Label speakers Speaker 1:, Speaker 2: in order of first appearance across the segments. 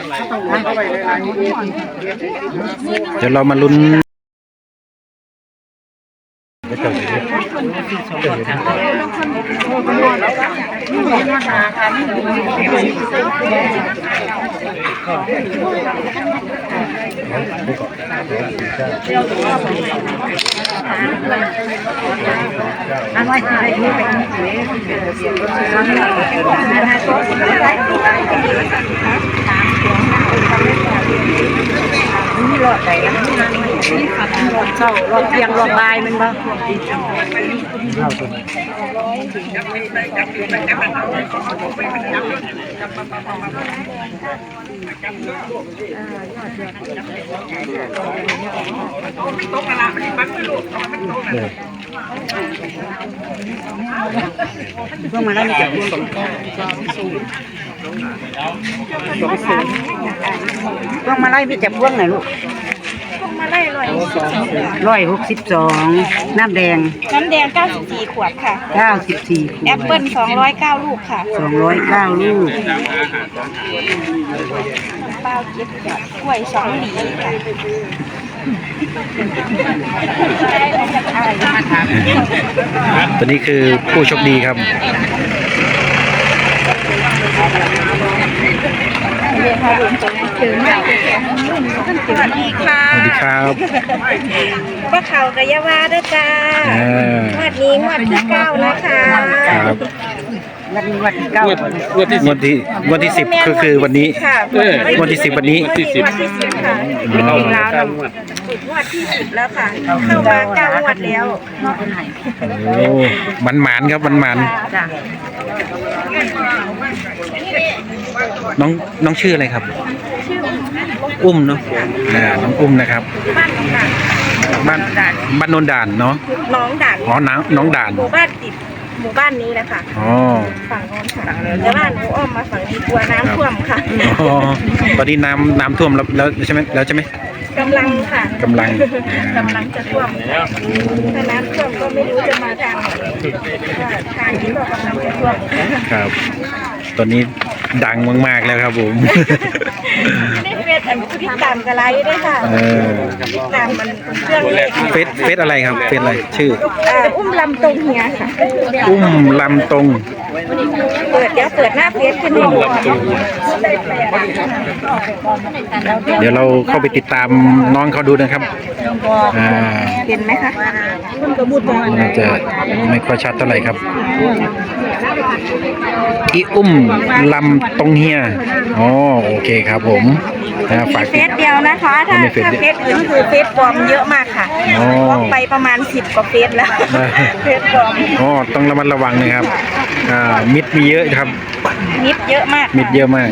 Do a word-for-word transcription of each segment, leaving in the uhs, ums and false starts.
Speaker 1: เดี๋ยวเรามาลุ้น
Speaker 2: นี่รอดไหนรอดเจ้ารอดเตียงรอดลายมันบ้างพวกมาได้มีจับพวงพวกมาไล่พี่จับพวงไหนลูกพวกมาไล่ร้อยร้อยหกสิบสองน้ำแดงน้ำแดงเก้าสิบสี่ขวดค่ะเก้าสิบสี่ขวดแอปเปิ้ลสองร้อยเก้าลูกค่ะสองร้อยเก้าลูกเป้าเจ็ดขวดกล้วยสองหลีค่ะ
Speaker 1: ตัวนี้คือผู้โชคดีครับ
Speaker 2: สวัสดีค่ะ
Speaker 1: สวัสดีครับ
Speaker 2: ป้าเขากะยาวาด้วยจ้างวดนี้งวดที่เก้านะคะ
Speaker 1: ครับ
Speaker 2: วันนี้วันที่เก้าง
Speaker 1: วดที่งวดที่งวดที่สิบก็คือวันนี้งวดที่สิบวันนี้
Speaker 2: งวดที่สิบค่ะไม่ถึงแล้วนะงวดที่สิบแล้วค่ะเข้ามาเก้างวดแล้ว
Speaker 1: โอ้มันหมานครับมันหมานน้องน้องชื่ออะไรครับอุ้มเนาะอ่าน้องอุ้มนะครับบ้านบ้านโนนด่านเนาะ
Speaker 2: น้องด่าน
Speaker 1: อ๋อน้องน้องด่าน
Speaker 2: หมู่บ้านติดหมู่บ้านนี้นะคะ
Speaker 1: อ๋อ
Speaker 2: ฝั่งโน้นค่ะแต่บ้านหนูอ้อมมาฝั่งนี้กลัวน้ำท่วมค่ะ
Speaker 1: อ๋อตอนนี้น้ำน้ำท่วมแล้วแล้วใช่ไหมแล้วใช่ไหม
Speaker 2: กำลังค่ะ
Speaker 1: กำลัง
Speaker 2: กำลังจะท่วมถ้าน้ำท่วมก็ไม่รู้จะมาทางทางที่บอกกำลังจะท่วม
Speaker 1: ครับตอนนี้ดังมากๆแล้วครับผม
Speaker 2: นี่เฟซติดตามกระไรด้วยค่ะติดตามมันเครื่องเล็ก
Speaker 1: เฟซเฟซอะไรครับเฟซอะไรชื่อ
Speaker 2: อุ้มลำตรงเฮียค่ะ
Speaker 1: อุ้มลำตรง
Speaker 2: เปิดเดี๋ยวเปิดหน้าเฟซขึ้นให้ดู
Speaker 1: เดี๋ยวเราเข้าไปติดตามน้องเขาดูนะครับ
Speaker 2: เห็นไหมคะ
Speaker 1: น่าจะไม่ค่อยชัดเท่าไหร่ครับอีอุ้มลำตรงเฮียอ๋อโอเคครับผม
Speaker 2: ฝากเฟซเดียวนะคะถ้าถ้าเฟซอื่นคือเฟซปลอมเยอะมากค่ะบล็อกไปประมาณสิบกว่าเฟซแล้วเฟซปลอม
Speaker 1: อ๋อต้องระมัดระวังนะครับอ่ามิดมีเยอะครับ
Speaker 2: มิดเยอะมาก
Speaker 1: มิดเยอะมาก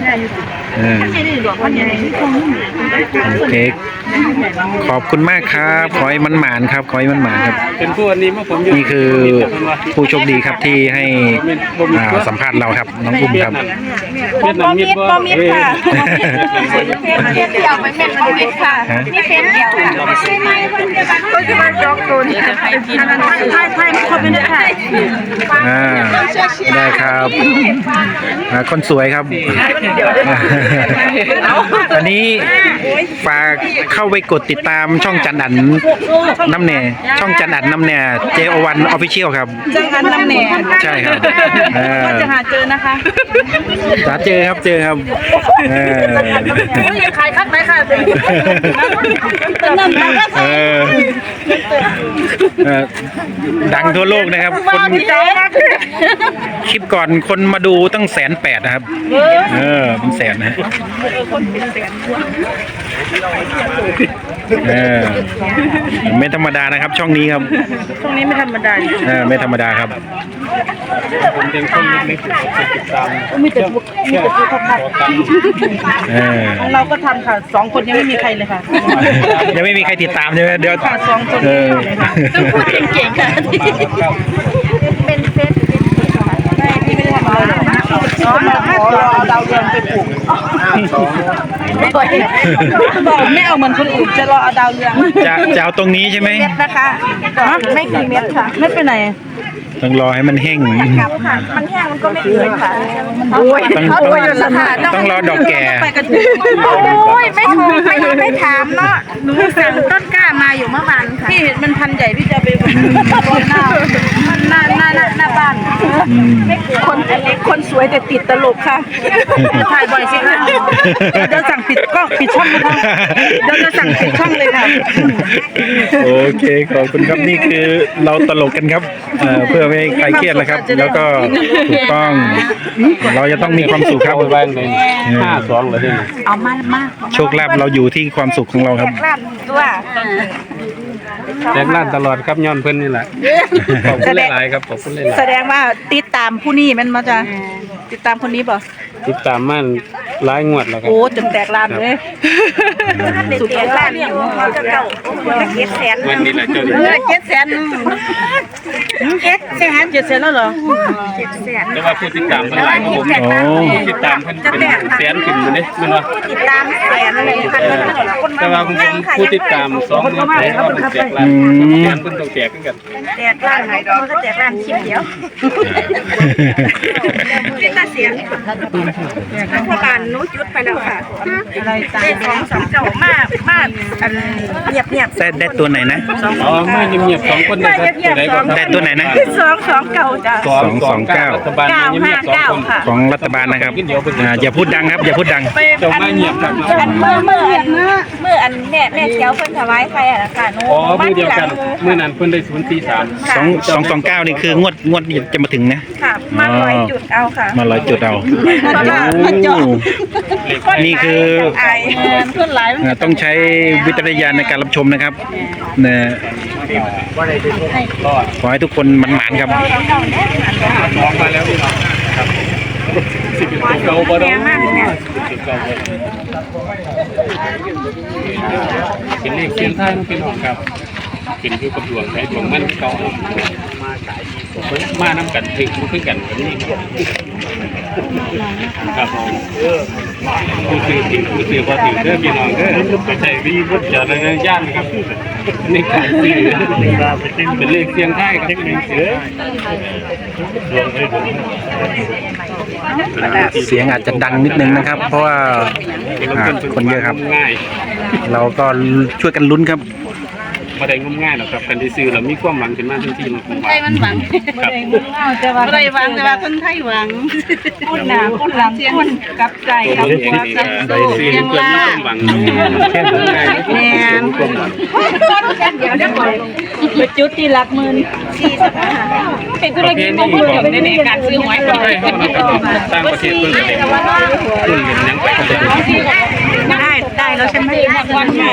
Speaker 1: โอเคขอบคุณมากครับขอให้มันหมานครับขอให้มันหมานครับ
Speaker 3: เป็นผู้อันนี้เมื่อผม
Speaker 1: นี่คือผู้โชคดีครับที่ให้สัมภาษณ์เราครับน้องอุ้มครับ
Speaker 2: บอมิดบอมิดค่ะเฟซเดียวไม่เป็นบอมิดค่ะนี่เฟซเดียวค่ะก็จะมาจองตัวนี่จะให้กินไทยไทยเขาเป็นไทย
Speaker 1: อ่าได้ครับคนสวยครับอันนี้ฝากเข้าไปกดติดตามช่องจันอันน้ำแหน่ช่องจันอันน้ำแหน่เจโอวันออฟฟิเชียลครับ
Speaker 2: จันอันน้ำแหน่
Speaker 1: ใช่ครับ
Speaker 2: ก็จะหาเจอนะคะ
Speaker 1: หาเจอครับเจอครับเออ
Speaker 2: ยังขายคักไหมค่ะ
Speaker 1: เออดังทั่วโลกนะครับคนคลิปก่อนคนมาดูตั้งแสนแปดนะครับเออเป็นแสนนะเออไม่ธรรมดานะครับช่องนี้ครับ
Speaker 2: ช่องนี้ไม่ธรรมดา
Speaker 1: เออไม่ธรรมดาครับ
Speaker 3: ผมเป็นคนเล็กๆติดตาม
Speaker 2: มีแต่พวกมีแต่พวกพักของเราก็ทำค่ะสองคนยังไม่มีใครเลยค่ะ
Speaker 1: ยังไม่มีใครติดตามใช่ไหมเดี๋ยว
Speaker 2: สองคนต้องพูดเก่งๆค่ะเป็นเฟซที่ไม่ได้ทำอะไรอ๋อเราขอเราดาวเรืองไปปลูกบอกไม่เอาเหมือนคนอื่นจะรอเอาดาวเรือง
Speaker 1: จะจะเอาตรงนี้ใช่ไหม
Speaker 2: เม็ดนะคะไม่กี่เม็ดค่ะไม่ไปไหน
Speaker 1: ต้องรอให้มันแห้ง
Speaker 2: ครับค่ะ มันแห้งมันก็ไม่ดีค่ะโอ้ย
Speaker 1: ต้อง
Speaker 2: เขา
Speaker 1: ต้อง
Speaker 2: โวยอยู่แล้วค่ะ
Speaker 1: ต้องรอดอกแก่
Speaker 2: โอ้ยไม่โทรไม่ไม่ถามเนาะหนูสั่งต้นกล้ามาอยู่เมื่อวานค่ะพี่เห็นมันพันใหญ่พี่จะไปโรยหน้าหน้าหน้าหน้าหน้าบ้านคนคนสวยแต่ติดตลกค่ะถ่ายบ่อยสิคะเดี๋ยวสั่งปิดก็ปิดช่องเลยค่ะเดี๋ยวจะสั่งปิดช่องเลยค่ะ
Speaker 1: โอเคขอบคุณครับนี่คือเราตลกกันครับเอ่อเพื่อไม่ให้ใครเครียดนะครับ แล้วก็ถูกต้องเราจะต้องมีความสุขครับ
Speaker 3: เอาไว้ในห้าสองเลยเนี่ย
Speaker 2: เอามามา
Speaker 1: โชคลาภเราอยู่ที่ความสุขของเราครับ
Speaker 2: ลาบตัว
Speaker 3: แจกล้านตลอดครับย้อนเพิ่นนี่แหละขอบคุณหลายๆครับขอบคุณหลาย
Speaker 2: แสดงว่าติดตามผู้นี้มันมาจะติดตามคนนี้ป่ะ
Speaker 3: ๆติดตามมันหลายงวดแล้วครับ
Speaker 2: โอ้จนแตกลานเลยสุดแตกลานอยู่เขาจะเก่าเจ็ดแสน
Speaker 3: วันนี้แหละเจ้า
Speaker 2: เออเจ็ดแสนเจ็ดแสนเจ็ดแสนแล้วเหรอเจ็ดแสน
Speaker 3: แต่ว่าผู้ติดตามเพิ่นหลายกว่าผม
Speaker 1: โอ้
Speaker 3: ผู้ติดตามเพิ่นเป็นแสนขึ้นอยู่เด้แม่นบ่
Speaker 2: ติดตามแสนอะไรพันคน
Speaker 3: แต่ว่าผมผู้ติดตามสองหมื่นแสนว่ามันแจกล้านแสนเพิ่นต้องแจกคือกัน
Speaker 2: แตกลานไหนมันก็แตกลานคลิปเดียวเป็นตาเสียงรัฐบาลนู้จุดไปแล้วค่ะได้สองสองเจ้ามากมากอันเงียบเงียบ
Speaker 1: ได้ได้ตัวไหนนะ
Speaker 3: อ๋อมาเงียบๆสองคนได้ครับตัวใดก็
Speaker 1: ได้ตัวไหนนะ
Speaker 2: สองสองเก่าจ้ะ
Speaker 1: สองสองเก้า
Speaker 3: รัฐบาลมาเงียบๆสองคน
Speaker 1: ของรัฐบาลนะครับอ่าอย่าพูดดังครับ อย่าพูดดัง
Speaker 3: เจ้ามาเงียบครับ
Speaker 2: อันเมื่อเมื่ออันเมื่ออันแม่แม่เจ้าเพิ่นถวายไฟอ่ะค่ะหนู
Speaker 3: อ๋อมือเดียวกันมื้อนั้นเพิ่นได้ศูนย์สี่สาม
Speaker 1: สองสองสองเก้านี่คืองวดงวดจะมาถึงนะ
Speaker 2: ค่ะมาร้อยจุดเอาค่ะ
Speaker 1: มาร้อยจุดเอา
Speaker 2: เพราะว่า
Speaker 1: โอ้นี่คือ
Speaker 2: ไอคนหลาย
Speaker 1: อ่าต้องใช้วิจารณญาณในการรับชมนะครับนะขอให้ทุกคนมันหมานๆครับ
Speaker 3: มองมาแล้วพี่น้องครับสิบเอ็ดตัวเก่าบ่ได้สิบเก่าบ่เป็นเลขเสียงไทายนะพี่น้องครับเป็นอยู่กับดวงใช้ดวงมันเก่ามาน้ำกันถึงมันขึ้นกันแบบนี้ครับผมผู้ซื้อถึงผู้ซื้อพอถึงเด้อพี่น้องเด้อไปใช้วิบุตรจารณญาณครับในการซื้อเป็นเลขเสียงไทายครับเป็นเสือดวงให้ดวง
Speaker 1: เสียงอาจจะดังนิดนึงนะครับ เพราะว่าอ่าคนเยอะครับ
Speaker 3: ง่าย
Speaker 1: เราก็ช่วยกันลุ้นครับ
Speaker 3: มาได้งมง่ายหรอกครับกันที่ซื้อเรามีความหวังขึ้นมาทันทีมันผมว่า
Speaker 2: ไทยมันหวัง
Speaker 3: ครับ
Speaker 2: แต่ว่าไม่ได้หวังแต่ว่าคนไทยหวังคนหนาคนหลังคนกับใจ
Speaker 3: ตัว
Speaker 2: กับ
Speaker 3: ผมเอง
Speaker 2: หัว
Speaker 3: นี่
Speaker 2: กับ
Speaker 3: ก็
Speaker 2: สู้
Speaker 3: ได้ซื้อ
Speaker 2: ยัง
Speaker 3: เพื่อนมี
Speaker 2: ล่า
Speaker 3: ความหวังแค่งมง่ายมีความหวัง
Speaker 2: เดี๋ยวเดี๋ยวไปจุดที่รักมืนสี่สิบห้าเป็นธุรกิจมงคลอย่างในการซื้อหวย
Speaker 3: คนไทยเขานะครับต่างประเทศเพิ่นก็ได้รุ่นเห็นยังไปกันเลย
Speaker 2: ได้ได้แล้วใช่ไหมวันใหญ่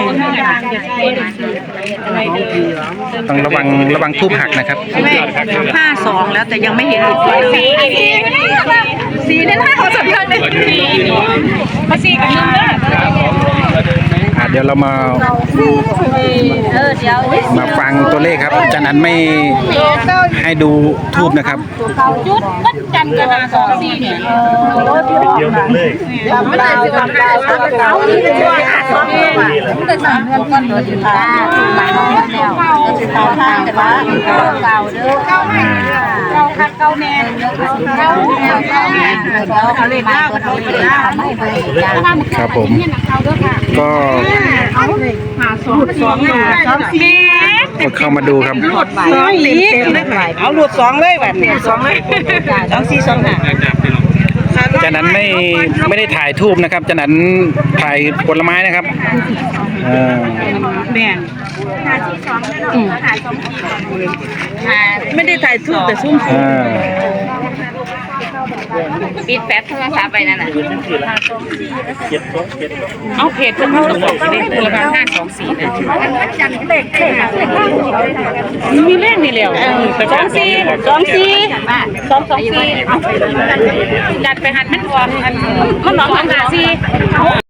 Speaker 1: ต้องระวังระวังทูบหักนะครับ
Speaker 2: ห้าสองแล้วแต่ยังไม่เห็นสี่สี่เนี่ยนะเขาสำคัญเลยสี่มาสี่กับนึ่งเลย
Speaker 1: อ่าเดี๋ยวเรามา
Speaker 2: เออเดี๋ยว
Speaker 1: มาฟังตัวเลขครับอาจารย์อันไม่ให้ดูทูบนะครับ
Speaker 2: จุดวัดจันทร์กันนาสองสี่เนี่ยเดียวเลยไม่ได้สิบสามเก้าเก้าที่เป็นตัวห้าสองเนี่ยไม่ได้สามเดือนก่อนเลยค่ะหลายน้องแล้วก็สิบสามทางแต่ว่าเก่าเด้อเก้าไม่เก้าคัดเก้าแน่เก้าแน่เก้าแน่เขาเลยเก้าเขาเลยเก้าไม่เบอร์
Speaker 1: ครับผมก็
Speaker 2: สองสองสองสี่
Speaker 1: ก็เข้ามาดูครับ
Speaker 2: สองเต็มเต็มเลยเอาหลุดสองเลยแบบนี้สองเลยสองสี่สองห้า
Speaker 1: อาจารย์นั้นไม่ไม่ได้ถ่ายทูบนะครับอาจารย์นั้นถ่ายผลไม้นะครับอ่า
Speaker 2: แม่ไม่ได้ถ่ายทูบแต่ซุ่ม
Speaker 1: อ่า
Speaker 2: ปิดแป๊บโทรศัพท์ไปนั่นน่ะเอาเพจเพิ่นเขาบอกเลขตัวละห้าสองสี่เนี่ยเลขมีเลขนี่แล้วสองสี่สองสี่สองสองสี่จัดไปหันมันออกมันน้องสองห้าสี่